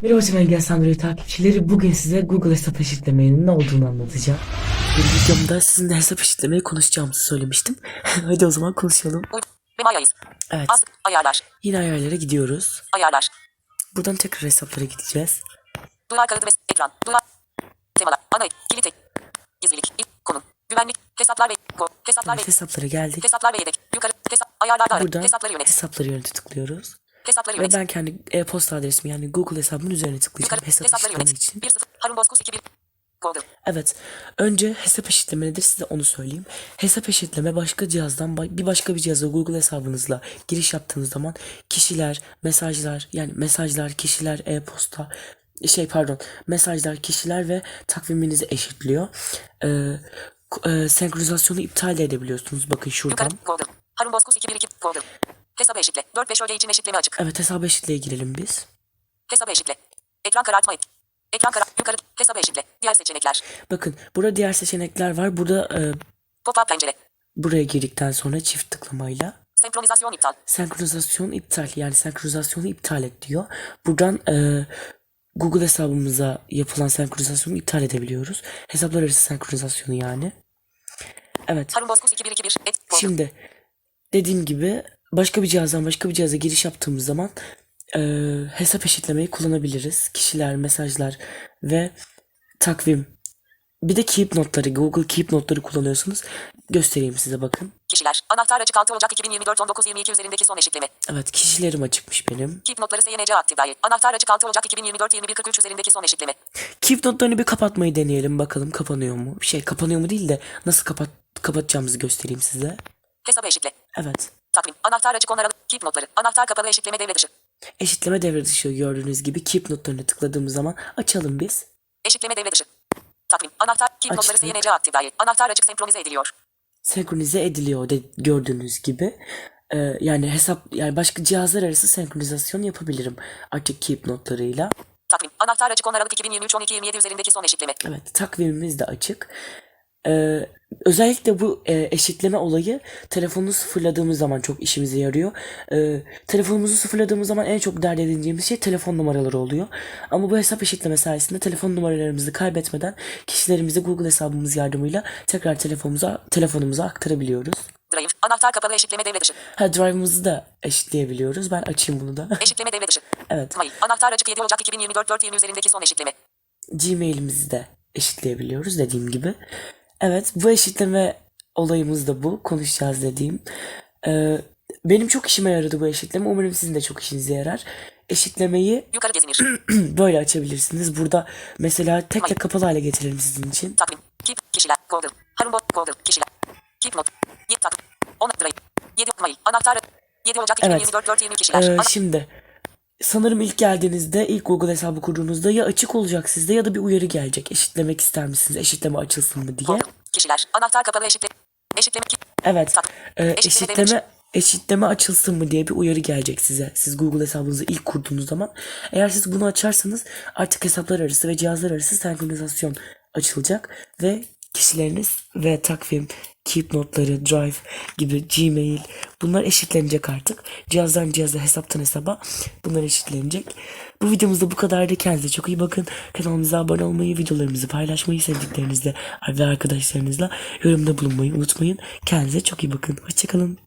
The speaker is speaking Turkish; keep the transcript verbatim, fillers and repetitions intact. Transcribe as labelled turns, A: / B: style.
A: Merhaba ben Gelsandro'yu takipçileri. Bugün size Google hesap eşitlemenin ne olduğunu anlatacağım. Bir videomda sizinle hesap eşitlemeyi konuşacağımızı söylemiştim. Hadi o zaman konuşalım. Evet.
B: Ayarlar.
A: Yine ayarlara gidiyoruz.
B: Ayarlar.
A: Buradan tekrar hesaplara gideceğiz.
B: Duyar kaydı ve ekran. Duyar. Temalar. Ana ek. Kilit ek. Gizlilik. İlk konum. Güvenlik. Hesaplar ve ko. Hesaplar
A: Evet,
B: ve
A: hesaplara geldik.
B: hesaplar ve yedek. Yukarı. Hesap. Ayarlarda ara.
A: Buradan
B: Hesapları yönet.
A: hesapları yönete tıklıyoruz.
B: Hesapları
A: Ve
B: yönet.
A: ben kendi e-posta adresimi yani Google hesabımın üzerine tıklayacağım
B: Yukarı.
A: hesap
B: Hesapları
A: eşitleme
B: yönet.
A: için.
B: bir sıfır. Harun Bozkurt iki bir. Google.
A: Evet. Önce hesap eşitleme nedir size onu söyleyeyim. Hesap eşitleme başka cihazdan bir başka bir cihaza Google hesabınızla giriş yaptığınız zaman kişiler, mesajlar yani mesajlar, kişiler, e-posta şey pardon mesajlar, kişiler ve takviminizi eşitliyor. Ee, e, senkronizasyonu iptal de edebiliyorsunuz. Bakın şuradan.
B: Yukarı. Google. Harun Bozkurt iki bir iki. Google. Hesabı eşitle. dört beş öğle için eşitleme açık.
A: Evet, hesap eşitliğe girelim biz.
B: Hesabı eşitle. Ekran karartma et. Ekran karar. Yukarı. Hesabı eşitle. Diğer seçenekler.
A: Bakın burada diğer seçenekler var. Burada e,
B: Pop-up pencere.
A: buraya girdikten sonra çift tıklamayla
B: Senkronizasyon iptal.
A: senkronizasyon iptal yani senkronizasyonu iptal et diyor. Buradan e, Google hesabımıza yapılan senkronizasyonu iptal edebiliyoruz. Hesaplar arası senkronizasyonu yani. Evet.
B: Harun Bozkurt iki bir iki bir. Et. Google.
A: Şimdi dediğim gibi başka bir cihazdan başka bir cihaza giriş yaptığımız zaman e, hesap eşitlemeyi kullanabiliriz. Kişiler, mesajlar ve takvim. Bir de Keep notları, Google Keep notları kullanıyorsunuz. Göstereyim size bakın.
B: Kişiler. Anahtar açık altı Ocak iki bin yirmi dört on dokuz yirmi iki üzerindeki son eşitleme.
A: Evet, kişilerim açıkmış benim.
B: Keep notları S Y N C aktif dahi. Anahtar açık altı Ocak iki bin yirmi dört yirmi bir kırk üç üzerindeki son eşitleme.
A: Keep notlarını bir kapatmayı deneyelim bakalım kapanıyor mu? Şey kapanıyor mu değil de nasıl kapat kapatacağımızı göstereyim size.
B: Hesabı eşitle.
A: Evet.
B: Takvim. Anahtar açık onaralı. Keep notları. Anahtar kapalı eşitleme devre dışı.
A: Eşitleme devre dışı gördüğünüz gibi Keep notlarını tıkladığımız zaman açalım biz.
B: Eşitleme devre dışı. Takvim. Anahtar. Keep notları
A: Açtık.
B: S Y N C aktif dahi. Anahtar açık senkronize ediliyor.
A: Senkronize ediliyor de, gördüğünüz gibi. Ee, yani hesap yani başka cihazlar arası senkronizasyon yapabilirim artık Keep notlarıyla.
B: Takvim. Anahtar açık on Aralık iki bin yirmi üç on iki yirmi yedi üzerindeki son eşitleme.
A: Evet, takvimimiz de açık. Ee, özellikle bu e, eşitleme olayı telefonunu sıfırladığımız zaman çok işimize yarıyor. Ee, telefonumuzu sıfırladığımız zaman en çok dert edineceğimiz şey telefon numaraları oluyor. Ama bu hesap eşitleme sayesinde telefon numaralarımızı kaybetmeden kişilerimizi Google hesabımız yardımıyla tekrar telefonumuza telefonumuza aktarabiliyoruz.
B: Drive. Anahtar kapalı eşitleme devre dışı.
A: Ha, drive'ımızı da eşitleyebiliyoruz. Ben açayım bunu da.
B: Eşitleme devre dışı.
A: Evet.
B: Mail. Anahtar açık yedi Ocak iki bin yirmi dört dört yirmi üzerindeki son eşitleme.
A: Gmail'imizi de eşitleyebiliyoruz dediğim gibi. Evet, bu eşitleme olayımız da bu. Konuşacağız dediğim. Ee, benim çok işime yaradı bu eşitleme. Umarım sizin de çok işinize yarar. Eşitlemeyi
B: Yukarı gezinir.
A: böyle açabilirsiniz. Burada mesela tek tek kapalı hale getirelim sizin için.
B: Takvim. Keep. Kişiler. Google. Harun Bozkurt. Google. Kişiler. Keep not. yedi takvim. on Drive. yedi mail. Anahtar. yedi Ocak iki bin yirmi dört dört yirmi kişiler.
A: Ee,
B: Ana-
A: şimdi sanırım ilk geldiğinizde, ilk Google hesabı kurduğunuzda ya açık olacak sizde ya da bir uyarı gelecek. Eşitlemek ister misiniz? Eşitleme açılsın mı diye.
B: Google. Kişiler. Anahtar kapalı eşitle. Eşitleme. Keep.
A: Evet.
B: Tak.
A: Ee,
B: Eşitleme
A: eşitleme
B: devre
A: eşitleme açılsın mı diye bir uyarı gelecek size. Siz Google hesabınızı ilk kurduğunuz zaman. Eğer siz bunu açarsanız artık hesaplar arası ve cihazlar arası senkronizasyon açılacak ve kişileriniz ve takvim, Keep notları, Drive gibi Gmail bunlar eşitlenecek artık. Cihazdan cihaza, hesaptan hesaba bunlar eşitlenecek. Bu videomuzda bu kadardı. Kendinize çok iyi bakın. Kanalımıza abone olmayı, videolarımızı paylaşmayı, sevdiklerinizle ve arkadaşlarınızla yorumda bulunmayı unutmayın. Kendinize çok iyi bakın. Hoşçakalın.